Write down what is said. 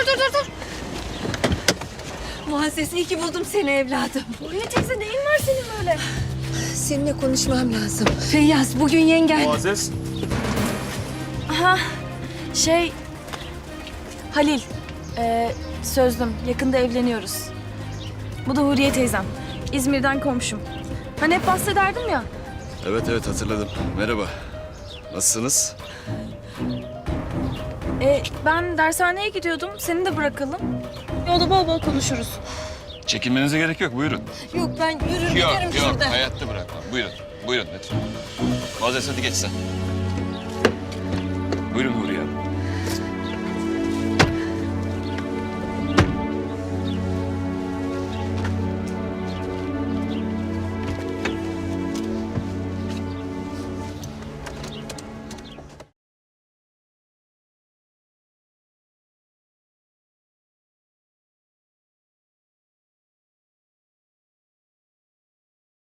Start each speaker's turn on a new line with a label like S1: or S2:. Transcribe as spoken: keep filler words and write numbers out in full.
S1: dur dur dur. Muazzez iyi ki buldum seni evladım.
S2: Huriye teyze neyin var senin böyle?
S1: Seninle konuşmam lazım. Feyyaz bugün yengen...
S3: Muazzez.
S2: Aha şey Halil ee, sözlüm yakında evleniyoruz. Bu da Huriye teyzem. İzmir'den komşum. Hani hep bahsederdim ya.
S4: Evet evet hatırladım. Merhaba. Nasılsınız?
S2: E, ben dershaneye gidiyordum. Seni de bırakalım. Yolda bol bol konuşuruz.
S4: Çekinmenize gerek yok. Buyurun.
S1: Yok ben yürür
S4: Yok
S1: giderim
S4: yok.
S1: şurada.
S4: Hayatta bırakmam. Buyurun. Buyurun lütfen. Muazzez hadi geç sen. Buyurun Huriye Hanım.